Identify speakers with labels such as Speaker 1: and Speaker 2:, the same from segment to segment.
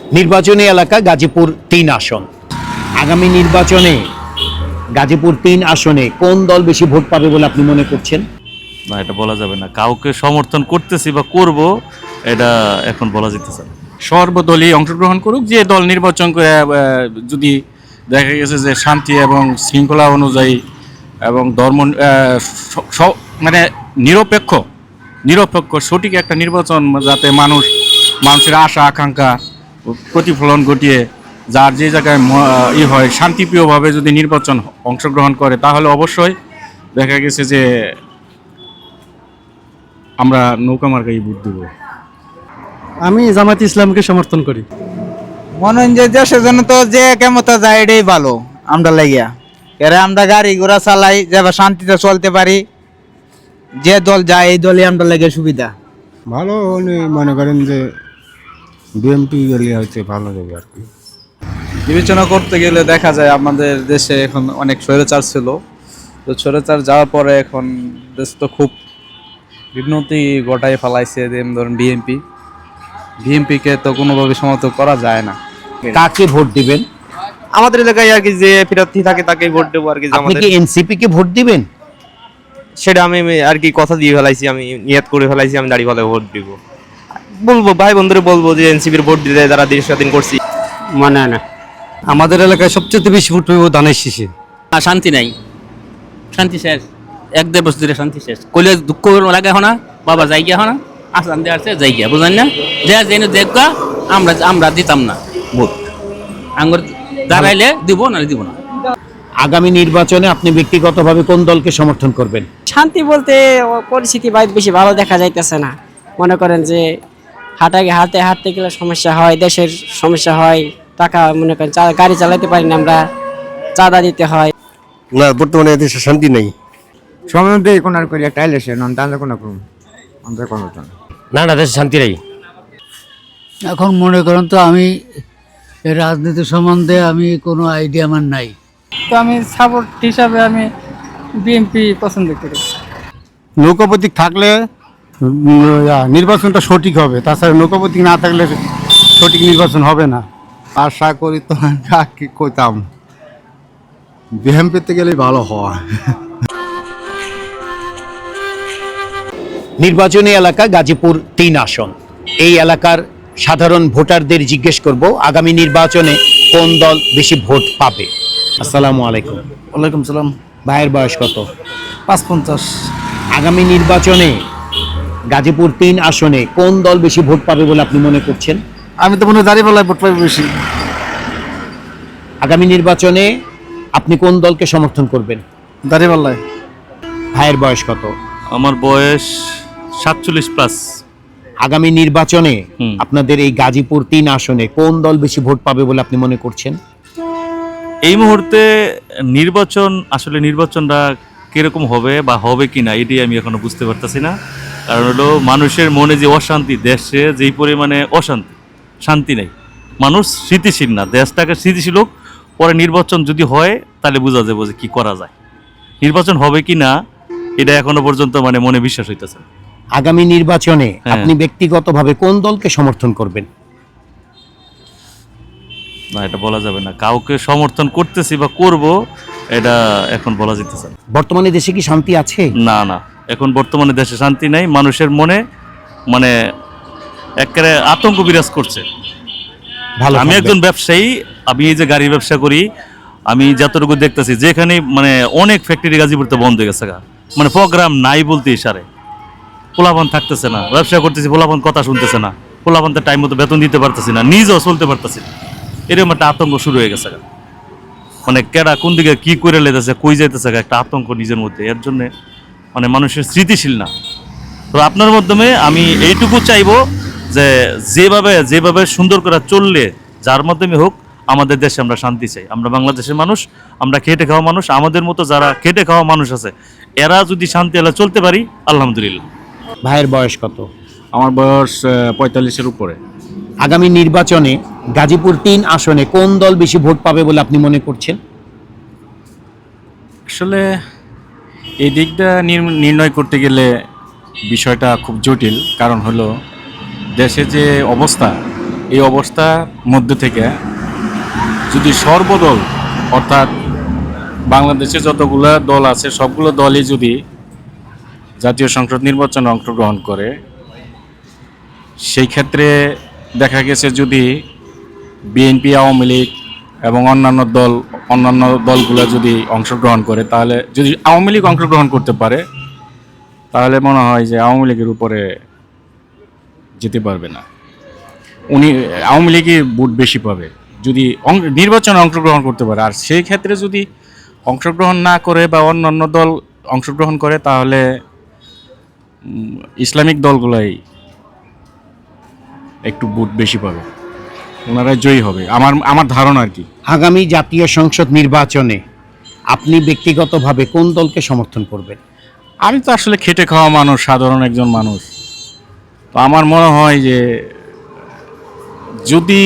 Speaker 1: নির্বাচনী এলাকা গাজীপুর ৩ আসন। আগামী নির্বাচনে গাজীপুর ৩ আসনে কোন দল বেশি ভোট পাবে বলে আপনি মনে করছেন?
Speaker 2: না, এটা বলা যাবে না। কাউকে সমর্থন করতেছি বা করব এটা এখন বলা যেতেছে না।
Speaker 3: সর্বদলীয় অংশগ্রহণ করুক, যে দল নির্বাচন করে যদি দেখা গেছে যে শান্তি এবং শৃঙ্খলা অনুযায়ী এবং ধর্ম মানে নিরপেক্ষ সঠিক একটা নির্বাচন, যাতে মানুষের আশা আকাঙ্ক্ষা প্রতিফলন ঘটিয়ে যার যে জায়গায় হয় শান্তিপ্রিয়ভাবে যদি নির্বাচন অংশগ্রহণ করে, তাহলে অবশ্যই দেখা গেছে যে আমরা নৌকা মার্কাই ভোট দেব।
Speaker 4: আমি জামাত ইসলামকে সমর্থন করি।
Speaker 5: মনে হয় যে দেশের জন্য তো যে কেমতা যায় এটাই ভালো আমরা লাগিয়া, এরা আমরা গাড়ি ঘোড়া চালাই যাবে শান্তিতে চলতে পারি, যে দল যায় এই দলই আমরা লাগে সুবিধা।
Speaker 6: ভালো উনি মনে করেন যে বিএমপি গেলে হয়তো ভালো হবে আর কি।
Speaker 7: বিবেচনা করতে গেলে দেখা যায় আমাদের দেশে এখন অনেক স্বৈরাচার ছিল, তো স্বৈরাচার যাওয়ার পরে এখন দেশ তো খুব বিঘ্নতি ঘটায় ফেলাইছে। যেমন ধরুন বিএমপিকে তো কোনোভাবে সমর্থন করা যায় না।
Speaker 1: কাকে ভোট দিবেন?
Speaker 8: আমাদের এলাকায় আর কি যে প্রার্থী থাকে তাকেই ভোট দেবো আর কি।
Speaker 1: আপনি কি এনসিপি কে ভোট দিবেন?
Speaker 8: সেটা আমি আর কি কথা দিয়ে ফেলাইছি, আমি নিয়ত করে ফেলাইছি আমি দাঁড়িয়ে ভোট দিব। বলবো ভাই বন্ধুরে বলবো যে এনসিপির ভোট দিতে তারা দেশ স্বাধীন করছি।
Speaker 4: মানে না, আমাদের এলাকায় সবচেয়ে বেশি ভোট পাবো ধানের শীষে।
Speaker 9: শান্তি নাই, শান্তি শেষ, 1-1.5 বছর ধরে শান্তি শেষ। কইলে দুঃখ লাগে না, বাবা যাই গিয়া না, আসান দিয়ে আসছে যাই গিয়া, বুঝলেন না? দেখা আমরা দিতাম না ভোট, আঙ্গুর দাঁড়াইলে দিব না দিব না।
Speaker 1: আগামী নির্বাচনে আপনি ব্যক্তিগতভাবে কোন দলকে সমর্থন করবেন?
Speaker 10: শান্তি বলতে পরিস্থিতি বেশি ভালো দেখা যাইতেছে না। মনে করেন যে হাঁটতে গেলে সমস্যা হয়, দেশের সমস্যা হয়, টাকা মনে করেন গাড়ি চালাতে পারি না, আমরা চাঁদা দিতে হয়।
Speaker 6: না, বর্তমানে দেশে শান্তি নেই।
Speaker 5: সম্বন্ধে কোন আর করি একটা এলেছে নন তাহলে কোন করুন আমরা কোন
Speaker 6: না, দেশে শান্তি নেই।
Speaker 4: এখন মনে করেন তো আমি এই রাজনীতি সম্বন্ধে আমি কোনো আইডিয়া আমার নাই।
Speaker 10: তো আমি সাপোর্ট হিসাবে আমি বিএনপি পছন্দ করি।
Speaker 6: নৌকাপতিক থাকলে নির্বাচনটা সঠিক হবে, তাছাড়া নৌকাপতিক না থাকলে সঠিক নির্বাচন হবে না। আশা করি তো কি কইতাম, বিএমপিতে গেলেই ভালো হয়।
Speaker 1: নির্বাচনী এলাকা গাজীপুর ৩ আসন। এই এলাকার সাধারণ ভোটারদের জিজ্ঞেস করব আগামী নির্বাচনে কোন দল বেশি ভোট পাবে। আসসালামু আলাইকুম।
Speaker 4: ওয়ালাইকুম সালাম।
Speaker 1: ভাইয়ের বয়স কত?
Speaker 4: ৫৫।
Speaker 1: আগামী নির্বাচনে গাজীপুর ৩ আসনে কোন দল বেশি ভোট পাবে বলে আপনি মনে করছেন?
Speaker 4: আমি তো মনে হয় দাঁড়িপাল্লায় ভোট পাবো বেশি।
Speaker 1: আগামী নির্বাচনে আপনি কোন দলকে সমর্থন করবেন?
Speaker 4: দাঁড়িপাল্লায়।
Speaker 1: ভাইয়ের বয়স কত?
Speaker 2: আমার বয়স 47+।
Speaker 1: আগামী নির্বাচনে
Speaker 2: হুম।
Speaker 1: আপনাদের এই গাজীপুর ৩ আসনে কোন দল বেশি ভোট পাবে বলে আপনি মনে করছেন?
Speaker 2: এই মুহূর্তে নির্বাচনটা কিরকম হবে বা হবে কিনা এটাই আমি এখনো বুঝতে পারতেছি না। কারণ হলো মানুষের মনে যে অশান্তি, দেশে যেই পরিমাণে অশান্তি, শান্তি নেই, মানুষ স্থিতিশীল না। দেশটাকে স্থিতিশীল হোক, পরে নির্বাচন যদি হয় তাহলে বোঝা যাবে যে কি করা যায়। নির্বাচন হবে কি না এটা এখনো পর্যন্ত মনে বিশ্বাস হইতেছে।
Speaker 1: আগামী নির্বাচনে
Speaker 2: হ্যাঁ।
Speaker 1: আপনি ব্যক্তিগতভাবে কোন দলকে সমর্থন করবেন?
Speaker 2: না, এটা বলা যাবে না। কাউকে সমর্থন করতেছি বা করব এটা এখন বলা যেতেছে না।
Speaker 1: বর্তমানে দেশে কি শান্তি আছে?
Speaker 2: না, এখন বর্তমানে দেশে শান্তি নাই। মানুষের মনে একেবারে আতঙ্ক বিরাজ করছে।
Speaker 1: ভালো
Speaker 2: আমি
Speaker 1: থাকবেন।
Speaker 2: একজন ব্যবসায়ী, আমি এই যে গাড়ির ব্যবসা করি, আমি যতটুকু দেখতেছি যেখানে অনেক ফ্যাক্টরি গাজীপুরতে বন্ধ হয়ে গেছে, প্রোগ্রাম নাই বলতে ইশারে, পোলাপান থাকতেছে না, ব্যবসা করতেছি, পোলাপান কথা শুনতেছে না, পোলাপানতে টাইম মতো বেতন দিতে পারতেছি না, নিজেও চলতে পারতেছি না। এরকম একটা আতঙ্ক শুরু হয়ে গেছে। কেডা কোন দিকে কি করে লেতেছে, কই যাইতেছে, একটা আতঙ্ক নিজের মধ্যে। এর জন্য মানুষের স্মৃতিশীল না। তো আপনার মাধ্যমে আমি এইটুকু চাইবো যে যেভাবে সুন্দর করে চললে, যার মাধ্যমে হোক, আমাদের দেশে আমরা শান্তি চাই। আমরা বাংলাদেশের মানুষ, আমরা খেটে খাওয়া মানুষ। আমাদের মতো যারা খেটে খাওয়া মানুষ আছে, এরা যদি শান্তি এলা চলতে পারি, আলহামদুলিল্লাহ।
Speaker 1: ভাইয়ের বয়স কত?
Speaker 3: আমার বয়স 45-এর উপরে।
Speaker 1: আগামী নির্বাচনে গাজীপুর ৩ আসনে কোন দল বেশি ভোট পাবে বলে আপনি মনে করছেন?
Speaker 3: আসলে এই দিকটা নির্ণয় করতে গেলে বিষয়টা খুব জটিল। কারণ হলো দেশে যে অবস্থা, এই অবস্থার মধ্যে থেকে যদি সর্বদল অর্থাৎ বাংলাদেশে যতগুলো দল আছে সবগুলো দলই যদি জাতীয় সংসদ নির্বাচনে অংশগ্রহণ করে, সেই ক্ষেত্রে দেখা গেছে যদি বিএনপি, আওয়ামী লীগ এবং অন্যান্য দলগুলো যদি অংশগ্রহণ করে, তাহলে যদি আওয়ামী লীগ অংশগ্রহণ করতে পারে তাহলে মনে হয় যে আওয়ামী লীগের উপরে যেতে পারবে না। আওয়ামী লীগই ভোট বেশি পাবে যদি নির্বাচনে অংশগ্রহণ করতে পারে। আর সেই ক্ষেত্রে যদি অংশগ্রহণ না করে বা অন্যান্য দল অংশগ্রহণ করে তাহলে ইসলামিক দলগুলাই একটু ভোট বেশি পাবে, ওনারাই জয়ী হবে আমার ধারণা আর কি।
Speaker 1: আগামী জাতীয় সংসদ নির্বাচনে আপনি ব্যক্তিগতভাবে কোন দলকে সমর্থন করবেন?
Speaker 3: আমি তো আসলে খেটে খাওয়া মানুষ, সাধারণ একজন মানুষ, তো আমার মনে হয় যে যদি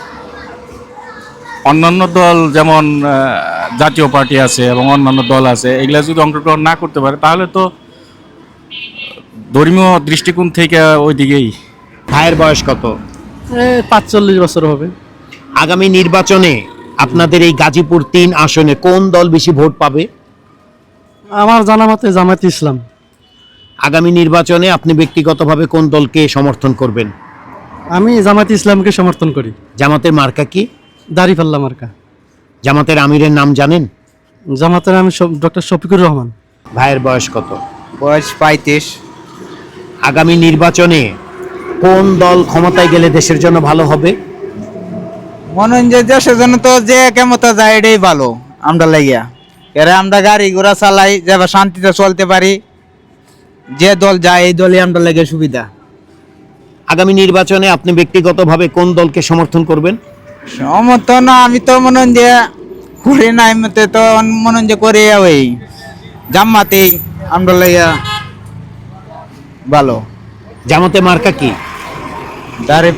Speaker 3: অন্যান্য দল যেমন জাতীয় পার্টি আছে এবং অন্যান্য দল আছে এগুলা যদি অংশগ্রহণ না করতে পারে তাহলে তো ধর্মীয় দৃষ্টিকোণ থেকে ওই দিকেই।
Speaker 1: ভাইয়ের বয়স কত?
Speaker 9: 45 বছর হবে।
Speaker 1: আগামী নির্বাচনে আপনাদের এই গাজীপুর 3 আসনে কোন দল বেশি ভোট পাবে?
Speaker 9: আমার জানা মতে জামায়াতে ইসলাম।
Speaker 1: আগামী নির্বাচনে আপনি ব্যক্তিগতভাবে কোন দলকে সমর্থন করবেন?
Speaker 9: আমি জামায়াতে ইসলামকে সমর্থন করি।
Speaker 1: জামাতের মার্কা কি?
Speaker 9: দাড়িপাল্লা মার্কা।
Speaker 1: জামাতের আমিরের নাম জানেন?
Speaker 9: জামাতের আমি ডক্টর শফিকুর রহমান।
Speaker 1: ভাইয়ের বয়স কত?
Speaker 5: বয়স 35।
Speaker 1: আগামী নির্বাচনে কোন দল ক্ষমতায় গেলে দেশের জন্য ভালো হবে?
Speaker 5: মনে হয় যে দেশের জন্য তো যে কেমতা যায় এটাই ভালো আমরা লাগিয়া। এরা আমরা গাড়ি ঘোড়া চালাই, যেভাবে শান্তিতে চলতে পারি, যে দল যায় এই দলই আমরা লাগে সুবিধা।
Speaker 1: আগামী নির্বাচনে আপনি ব্যক্তিগতভাবে কোন দলকে সমর্থন করবেন?
Speaker 5: সমর্থন আমি তো মনে হয় যে করি না, এমনিতে তো মনে হয় যে করি ওই জামাতে আমরা লাগিয়া ভালো।
Speaker 1: জামাতে মার্কা কি?
Speaker 5: দাড়ি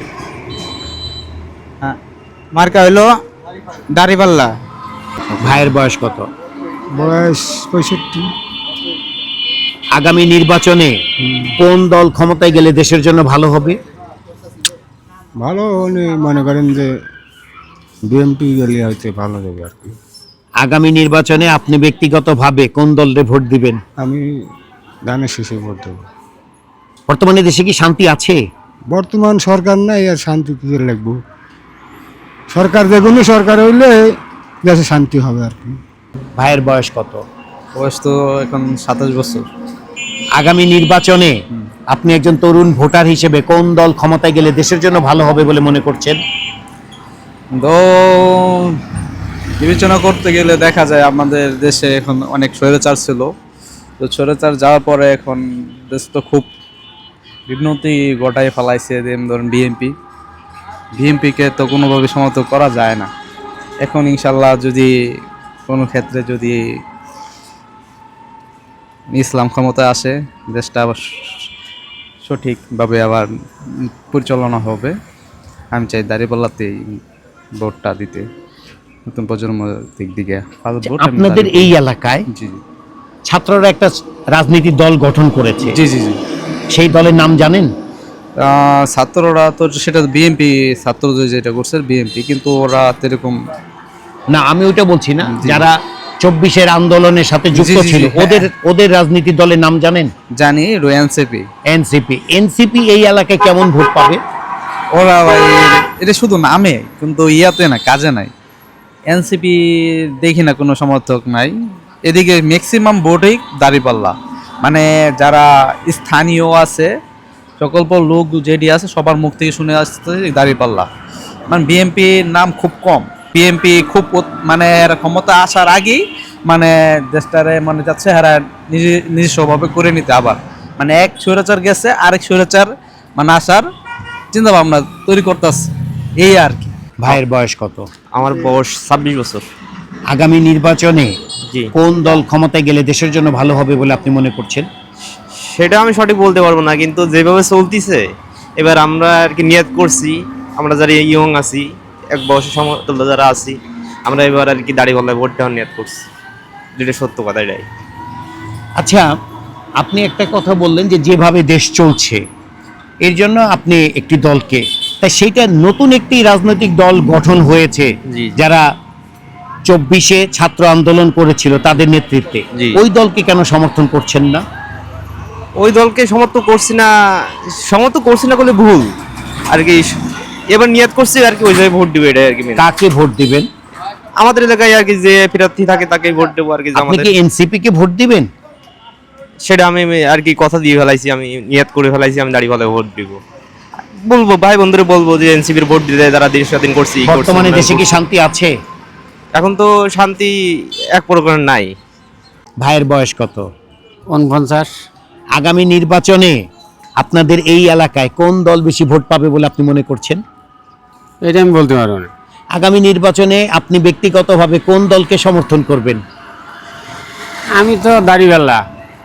Speaker 5: মার্কা হইলো দাড়িপাল্লা।
Speaker 1: ভাইয়ের বয়স কত?
Speaker 6: বয়স 65।
Speaker 1: আগামী নির্বাচনে কোন দল ক্ষমতায় গেলে দেশের জন্য ভালো হবে?
Speaker 6: ভালো মনে করেন যে বিএমপি গেলে হয়তো ভালো হবে আর কি।
Speaker 1: আগামী নির্বাচনে আপনি ব্যক্তিগতভাবে কোন দলরে ভোট দিবেন?
Speaker 6: আমি ধানের শেষে ভোট দেবো।
Speaker 1: বর্তমানে দেশে কি শান্তি আছে?
Speaker 6: বর্তমান সরকার নাই, আর শান্তি কি করে লাগবো? সরকার যে কোনো সরকার হইলে দেশে শান্তি হবে আর কি।
Speaker 1: ভাইয়ের বয়স কত?
Speaker 7: বয়স তো এখন 27 বছর।
Speaker 1: আগামী নির্বাচনে আপনি একজন তরুণ ভোটার হিসেবে কোন দল ক্ষমতায় গেলে দেশের জন্য ভালো হবে বলে মনে করছেন?
Speaker 7: তো বিবেচনা করতে গেলে দেখা যায় আমাদের দেশে এখন অনেক স্বৈরাচার ছিল, তো স্বৈরাচার যাওয়ার পরে এখন দেশ তো খুব বিঘ্নতি ঘটায় ফেলাইছে। যেমন ধরুন বিএমপিকে তো কোনোভাবে সমর্থন করা যায় না। এখন ইনশাল্লাহ যদি কোনো ক্ষেত্রে যদি ইসলাম ক্ষমতায় আসে, দেশটা আবার সঠিকভাবে আবার পরিচালনা হবে। আমি চাই দাঁড়িপাল্লাতেই ভোটটা দিতে, নতুন প্রজন্মের দিক দিকে।
Speaker 1: আপনাদের এই এলাকায়
Speaker 7: জি জি
Speaker 1: ছাত্ররা একটা রাজনীতি দল গঠন করেছে,
Speaker 7: জি জি জি
Speaker 1: সেই দলের নাম জানেন?
Speaker 7: ছাত্ররা তো সেটা বিএনপি, ছাত্র যেটা করছে বিএনপি, কিন্তু ওরা এরকম
Speaker 1: না, আমি ওইটা বলছি না,
Speaker 7: জি।
Speaker 1: যারা 24-এর আন্দোলনের সাথে যুক্ত
Speaker 7: জি, জি,
Speaker 1: ছিল,
Speaker 7: হ্যাঁ।
Speaker 1: ওদের রাজনীতি দলের নাম জানেন?
Speaker 7: জানি, এনসিপি।
Speaker 1: এনসিপি এই এলাকায় কেমন ভোট পাবে?
Speaker 7: ওরা ভাই এটা শুধু নামে, কিন্তু ইয়াতে না, কাজে নাই। এনসিপি দেখি না কোনো সমর্থক নাই এদিকে। ম্যাক্সিমাম ভোটই দাঁড়িপাল্লা, মানে যারা স্থানীয় আছে সকল লোক যেটি আছে সবার মুখ থেকে শুনে আসছে দাঁড়িপাল্লা। মানে বিএনপির নাম খুব কম। বিএনপি খুব মানে এরা ক্ষমতা আসার আগেই মানে দেশটারে মানে যাচ্ছে এরা নিজস্বভাবে করে নিতে, আবার মানে এক স্বৈরাচার গেছে আরেক স্বৈরাচার মানে আসার চিন্তা ভাবনা তৈরি করতেছে, এই আর কি।
Speaker 1: ভাইয়ের বয়স কত?
Speaker 8: আমার বয়স 26 বছর।
Speaker 1: আগামী নির্বাচনে
Speaker 8: জি,
Speaker 1: কোন দল ক্ষমতায় গেলে দেশের জন্য ভালো হবে বলে আপনি মনে করছেন?
Speaker 8: সেটা আমি সঠিক বলতে পারবো না, কিন্তু যেভাবে চলতিছে এবার আমরা আর কি নিয়ত করছি, আমরা যারা ইয়ং আছি, এক বয়সের সমতুল্য যারা আছি, আমরা এবার আর কি দাড়িপাল্লায় ভোট দেওয়ার নিয়ত করছি, যেটা সত্য কথা এটাই।
Speaker 1: আচ্ছা, আপনি একটা কথা বললেন যে যেভাবে দেশ চলছে এর জন্য আপনি একটি দলকে তাই সেইটা নতুন একটি রাজনৈতিক দল গঠন হয়েছে
Speaker 8: জি।
Speaker 1: যারা 24-এ ছাত্র আন্দোলন করেছিল তাদের নেতৃত্বে,
Speaker 8: জি।
Speaker 1: ওই দলকে কেন সমর্থন করছেন না?
Speaker 8: ওই দলকে সমর্থন করছি না বলে ভুল আর কি। এবার নিয়ত করছি আর কি, ওই জায়গায় ভোট দিবে, এটা আর কি main।
Speaker 1: কাকে ভোট দিবেন?
Speaker 8: আমাদের এলাকায় আর কি যে প্রার্থী থাকে তাকে ভোট দেবো আর কি।
Speaker 1: আপনি
Speaker 8: আমাদের
Speaker 1: কি এনসিপি কে ভোট দিবেন?
Speaker 8: সেটা আমি আর কি কথা দিয়ে ফেলাইছি, আমি নিয়ত করে ফেলাইছি আমি দাঁড়িপাল্লায় ভোট দিব। বলবো ভাই বন্ধুরা, বলবো যে এনসিপির ভোট দিতে তারা দেশ স্বাধীন করছি, ই করছি।
Speaker 1: বর্তমানে দেশে কি শান্তি আছে?
Speaker 8: এখন তো শান্তি এক প্রকার নাই।
Speaker 1: ভাইয়ের বয়স কত?
Speaker 4: 49।
Speaker 1: আগামী নির্বাচনে আপনাদের এই এলাকায় কোন দল বেশি ভোট পাবে বলে আপনি মনে করছেন?
Speaker 4: এটা আমি বলতে পারবো না।
Speaker 1: আগামী নির্বাচনে আপনি ব্যক্তিগতভাবে কোন দলকে সমর্থন করবেন?
Speaker 4: আমি তো দাড়িওয়ালা।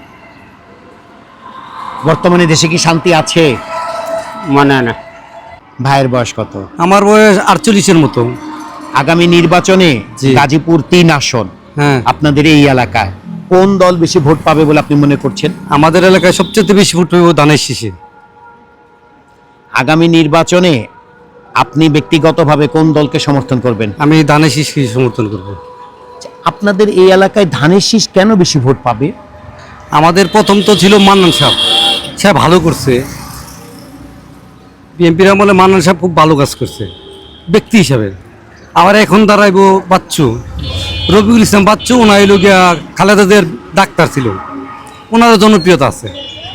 Speaker 1: বর্তমানে দেশে কি শান্তি আছে?
Speaker 4: মানে না।
Speaker 1: ভাইয়ের বয়স কত?
Speaker 4: আমার বয়স 48-এর মতো।
Speaker 1: আগামী নির্বাচনে
Speaker 4: জি।
Speaker 1: গাজীপুর 3 আসন
Speaker 4: হ্যাঁ,
Speaker 1: আপনাদের এই এলাকায় কোন দল বেশি ভোট পাবে বলে আপনি মনে করছেন?
Speaker 4: আমাদের এলাকায় সবচেয়ে বেশি ভোট পাবো ধানের শীষে।
Speaker 1: আগামী নির্বাচনে আপনি ব্যক্তিগতভাবে কোন দলকে সমর্থন করবেন?
Speaker 4: আমি ধানের শীষকে সমর্থন করব।
Speaker 1: আপনাদের এই এলাকায় ধানের শীষ কেন বেশি ভোট পাবে?
Speaker 4: আমাদের প্রথম তো ছিল মান্নান সাহেব, সে ভালো করছে। বিএনপির আমলে মান্নান সাহেব খুব ভালো কাজ করছে ব্যক্তি হিসাবে। আবার এখন দাঁড়াইবো বাচ্চু, রবিউল ইসলাম বাচ্চু, ওনার হইল গিয়া খালেদাদের ডাক্তার ছিল, ওনারও জনপ্রিয়তা আছে।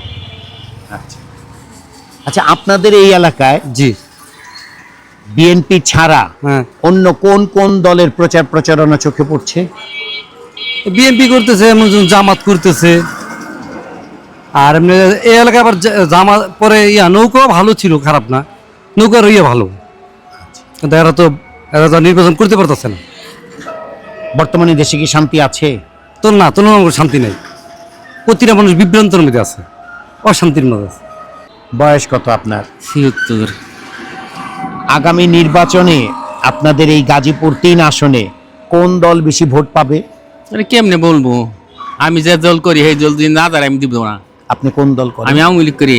Speaker 1: আচ্ছা, আপনাদের এই এলাকায়
Speaker 4: জি
Speaker 1: বিএনপি ছাড়া
Speaker 4: হ্যাঁ,
Speaker 1: অন্য কোন কোন দলের প্রচার প্রচারণা চোখে পড়ছে?
Speaker 4: বিএনপি করতেছে, এমন জামাত করতেছে। আর এমনি এই এলাকায় আবার জামাত পরে নৌকাও ভালো ছিল, খারাপ না, নৌকার ভালো। কিন্তু এরা তো নির্বাচন করতে পারতেছে না।
Speaker 1: বর্তমানে দেশে কি শান্তি আছে?
Speaker 4: তো না, তুলনামূলক শান্তি নেই। প্রতিটা মানুষ বিভ্রান্তের মধ্যে আছে, অশান্তির মধ্যে আছে।
Speaker 1: বয়স কত আপনার?
Speaker 9: 76।
Speaker 1: আগামী নির্বাচনে আপনাদের এই গাজীপুর 3 আসনে কোন দল বেশি ভোট পাবে?
Speaker 9: আরে কেমনে বলবো, আমি যে দল করি সেই দল যদি না দাঁড়ায় আমি দিব না।
Speaker 1: আপনি কোন দল করেন?
Speaker 9: আমি আওয়ামী লীগ করি।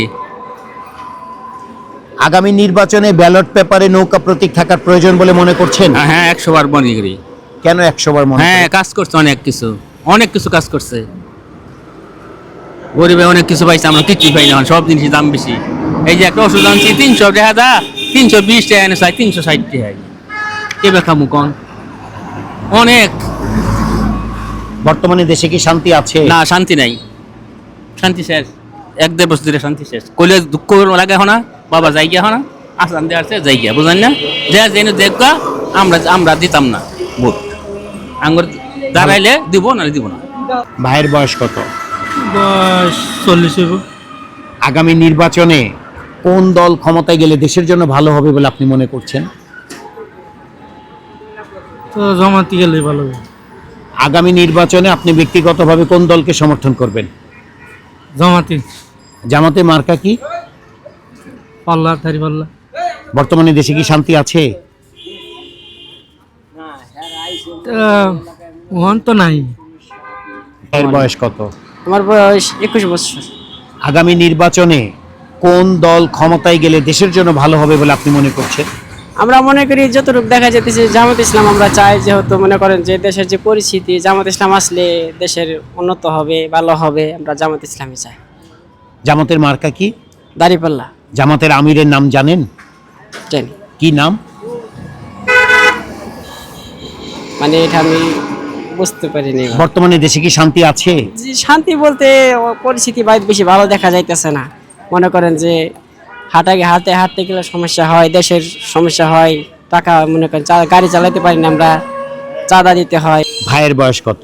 Speaker 1: আগামী নির্বাচনে ব্যালট পেপারে নৌকা প্রতীক থাকার প্রয়োজন বলে মনে করছেন?
Speaker 9: হ্যাঁ 100 বার মনে করি।
Speaker 1: কেন 100 বার মনে
Speaker 9: হ্যাঁ
Speaker 1: করেন?
Speaker 9: কাজ করছে, অনেক কিছু কাজ করছে। গরিবে অনেক কিছু পাইছে, আমরা কিছুই পাই না। সব জিনিসের দাম বেশি। এই যে একটা ওষুধ আনছি 300 টাকা দা, 320 টাকা এনে চাই 360 টাকা। কে খামু কন? অনেক।
Speaker 1: বর্তমানে দেশে কি শান্তি আছে?
Speaker 9: না, শান্তি নাই, শান্তি শেষ। 1-1.5 বছর ধরে শান্তি শেষ। কইলে দুঃখ লাগে না, বাবা যাই গিয়া না, আসান দিয়ে আসছে যাই গিয়া, বুঝলেন না? যে জেনে দেখবা আমরা দিতাম না ভোট। আঙ্গুর দাঁড়াইলে দিব, নাহলে দিব না।
Speaker 1: ভাইয়ের বয়স কত?
Speaker 4: বয়স 40।
Speaker 1: আগামী নির্বাচনে কোন দল ক্ষমতায় গেলে দেশের জন্য ভালো হবে বলে আপনি মনে করছেন?
Speaker 4: তো জামাতি গেলে ভালো হবে।
Speaker 1: আগামী নির্বাচনে আপনি ব্যক্তিগতভাবে কোন দলকে সমর্থন করবেন?
Speaker 4: জামাতি।
Speaker 1: জামাতে মার্কা কি?
Speaker 4: পাল্লা, থারি পাল্লা।
Speaker 1: বর্তমানে দেশে কি শান্তি আছে?
Speaker 4: ওহন তো নাই।
Speaker 1: এর বয়স কত?
Speaker 10: আমার বয়স 21 বছর।
Speaker 1: আগামী নির্বাচনে কোন দল ক্ষমতায় গেলে দেশের জন্য ভালো হবে বলে আপনি মনে করছেন?
Speaker 10: আমরা মনে করি যতটুকু দেখা যেতেছে জামাত ইসলাম আমরা চাই, যেহেতু মনে করেন যে দেশের যে পরিস্থিতি, জামাত ইসলাম আসলে দেশের উন্নত হবে, ভালো হবে। আমরা জামাত ইসলামই চাই।
Speaker 1: জামাতের মার্কা কি?
Speaker 10: দাঁড়িপাল্লা।
Speaker 1: জামাতের আমিরের নাম জানেন?
Speaker 10: জানি,
Speaker 1: কি নাম?
Speaker 10: মানে এটা আমি বুঝতে পারিনি।
Speaker 1: বর্তমানে দেশে কি শান্তি আছে?
Speaker 10: যে শান্তি বলতে পরিস্থিতি বেশি ভালো দেখা যাইতেছে না। মনে করেন যে হাঁটতে গেলে সমস্যা হয়, দেশের সমস্যা হয়, টাকা মনে করেন গাড়ি চালাতে পারি না আমরা, চাঁদা দিতে হয়।
Speaker 1: ভাইয়ের বয়স কত?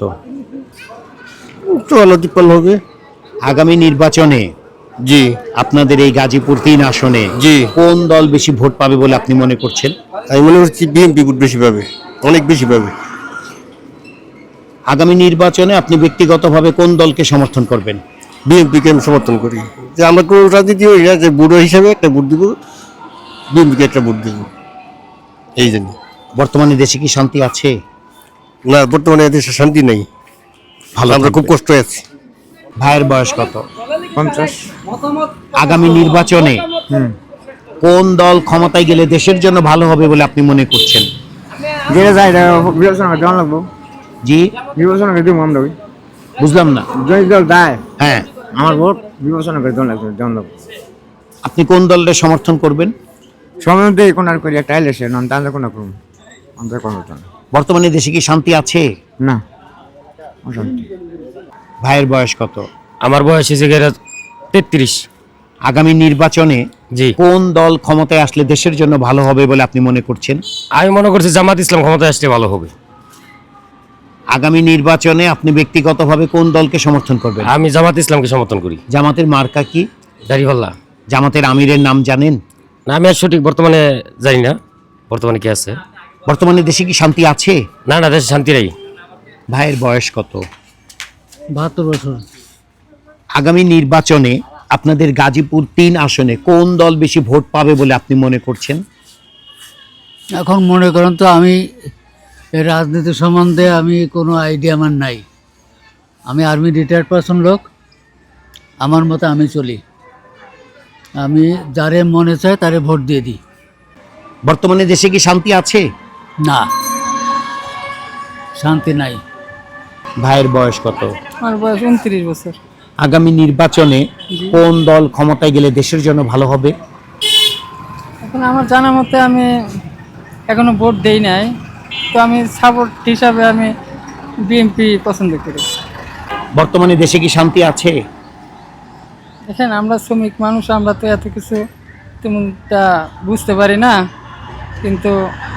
Speaker 6: 54 হবে।
Speaker 1: আগামী নির্বাচনে
Speaker 6: জি
Speaker 1: আপনাদের এই গাজীপুর 3 আসনে
Speaker 6: জি
Speaker 1: কোন দল বেশি ভোট পাবে বলে আপনি মনে করছেন?
Speaker 6: আমি মনে করছি বিএনপি ভোট বেশি পাবে, অনেক বেশি পাবে।
Speaker 1: আগামী নির্বাচনে আপনি ব্যক্তিগতভাবে কোন দলকে সমর্থন করবেন?
Speaker 6: বিএনপিকে আমি সমর্থন করি। যে আমরা কোনো রাজনীতি হই না, যে বুড়ো হিসাবে একটা ভোট দিব, বিএনপিকে একটা ভোট দিব, এই জন্য।
Speaker 1: বর্তমানে দেশে কি শান্তি আছে?
Speaker 6: না, বর্তমানে দেশে শান্তি নেই,
Speaker 1: ভালো,
Speaker 6: আমরা খুব কষ্ট আছি।
Speaker 1: ভাইয়ের বয়স কত?
Speaker 5: 50।
Speaker 1: আগামী নির্বাচনে কোন দল ক্ষমতায় গেলে দেশের জন্য ভালো হবে বলে আপনি মনে করছেন?
Speaker 5: যেটা যায় এটা বিবেচনা করে দেওয়া লাগবো,
Speaker 1: জি,
Speaker 5: বিবেচনা করে দিব আমরা।
Speaker 1: বুঝলাম না।
Speaker 5: যদি দল দেয়
Speaker 1: হ্যাঁ,
Speaker 5: আমার ভোট বিবেচনা করে দেওয়া লাগবে, দেওয়া লাগবে।
Speaker 1: আপনি কোন দলের সমর্থন করবেন?
Speaker 5: সময় দিয়ে কোন আর করি একটা এসে নন তাহলে কোনো করুন, আমাদের কোনো হতো না।
Speaker 1: বর্তমানে দেশে কি শান্তি আছে?
Speaker 5: না, অশান্তি।
Speaker 1: ভাইয়ের বয়স কত?
Speaker 4: আমার বয়স হয়েছে 33।
Speaker 1: আগামী নির্বাচনে
Speaker 4: জি,
Speaker 1: কোন দল ক্ষমতায় আসলে দেশের জন্য ভালো হবে বলে আপনি মনে করছেন?
Speaker 4: আমি মনে করছি জামাত ইসলাম ক্ষমতায় আসলে ভালো হবে।
Speaker 1: আগামী নির্বাচনে আপনি ব্যক্তিগতভাবে কোন দলকে সমর্থন করবেন?
Speaker 4: আমি জামাত ইসলামকে সমর্থন করি।
Speaker 1: জামাতের মার্কা কি?
Speaker 4: দাড়িপাল্লা।
Speaker 1: জামাতের আমিরের নাম জানেন?
Speaker 4: না, আমি আর সঠিক বর্তমানে জানি না বর্তমানে কি আছে।
Speaker 1: বর্তমানে দেশে কি শান্তি আছে?
Speaker 4: না না, দেশে শান্তি নেই।
Speaker 1: ভাইয়ের বয়স কত?
Speaker 6: 72 বছর।
Speaker 1: আগামী নির্বাচনে আপনাদের গাজীপুর 3 আসনে কোন দল বেশি ভোট পাবে বলে আপনি মনে করছেন?
Speaker 6: এখন মনে করেন তো আমি এই রাজনীতি সম্বন্ধে আমি কোনো আইডিয়া আমার নাই। আমি আর্মি রিটায়ার্ড পারসন লোক, আমার মতে আমি চলি, আমি যারে মনে চায় তারে ভোট দিয়ে দিই।
Speaker 1: বর্তমানে দেশে কি শান্তি আছে?
Speaker 6: না, শান্তি নাই।
Speaker 1: ভাইয়ের বয়স কত?
Speaker 10: আমার বয়স 29 বছর।
Speaker 1: আগামী নির্বাচনে কোন দল ক্ষমতায় গেলে দেশের জন্য ভালো হবে?
Speaker 10: এখন আমার জানা মতে আমি এখনো ভোট দেই নাই, তো আমি সাপোর্ট হিসাবে আমি বিএনপি পছন্দ করি।
Speaker 1: বর্তমানে দেশে কি শান্তি আছে?
Speaker 10: দেখেন আমরা শ্রমিক মানুষ, আমরা তো এত কিছু তেমনটা বুঝতে পারি না, কিন্তু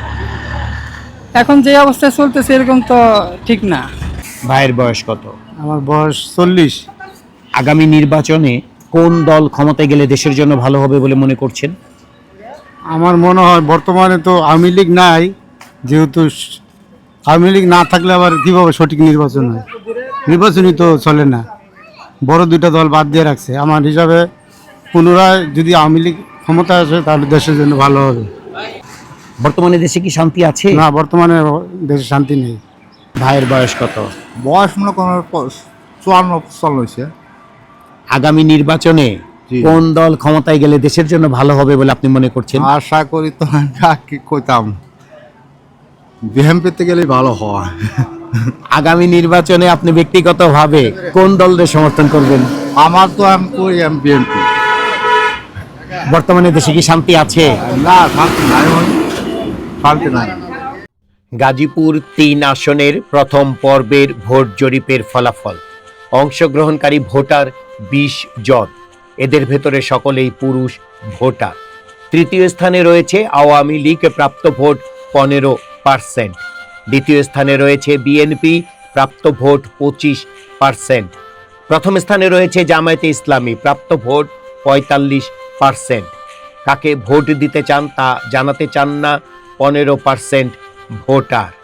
Speaker 10: এখন যে অবস্থায় চলতেছে এরকম তো ঠিক না।
Speaker 1: ভাইয়ের বয়স কত?
Speaker 6: আমার বয়স 40।
Speaker 1: আগামী নির্বাচনে কোন দল ক্ষমতায় গেলে দেশের জন্য ভালো হবে বলে মনে করছেন?
Speaker 6: আমার মনে হয় বর্তমানে তো আওয়ামী লীগ নাই, যেহেতু আওয়ামী লীগ না থাকলে আবার কীভাবে সঠিক নির্বাচন হয়? নির্বাচনই তো চলে না, বড় দুইটা দল বাদ দিয়ে রাখছে। আমার হিসাবে পুনরায় যদি আওয়ামী লীগ ক্ষমতায় আসে তাহলে দেশের জন্য ভালো হবে।
Speaker 1: বর্তমানে দেশে কি শান্তি আছে?
Speaker 6: না, বর্তমানে দেশে শান্তি নেই।
Speaker 1: ভাইয়ের বয়স কত?
Speaker 6: বয়স মনে করেন 54 হয়েছে।
Speaker 1: আগামী নির্বাচনে কোন দল ক্ষমতায় গেলে দেশের জন্য ভালো হবে বলে আপনি মনে করছেন?
Speaker 6: আশা করি তো কি কইতাম, বিএনপিতে গেলেই ভালো হয়।
Speaker 1: আগামী নির্বাচনে আপনি ব্যক্তিগতভাবে কোন দলের সমর্থন করবেন?
Speaker 6: আমার তো আমি করি বিএনপি।
Speaker 1: বর্তমানে দেশে কি শান্তি আছে?
Speaker 6: না, শান্তি নাই, শান্তি নাই।
Speaker 1: গাজীপুর 3 আসনের প্রথম পর্বের ভোট জরিপের ফলাফল। অংশগ্রহণকারী ভোটার 20 জন, এদের ভেতরে সকলেই পুরুষ ভোটার। তৃতীয় স্থানে রয়েছে আওয়ামী লীগ, প্রাপ্ত ভোট 15%। দ্বিতীয় স্থানে রয়েছে বিএনপি, প্রাপ্ত ভোট 25%। প্রথম স্থানে রয়েছে জামায়াতে ইসলামী, প্রাপ্ত ভোট 45%। কাকে ভোট দিতে চান তা জানাতে চান না 15% ভোটার।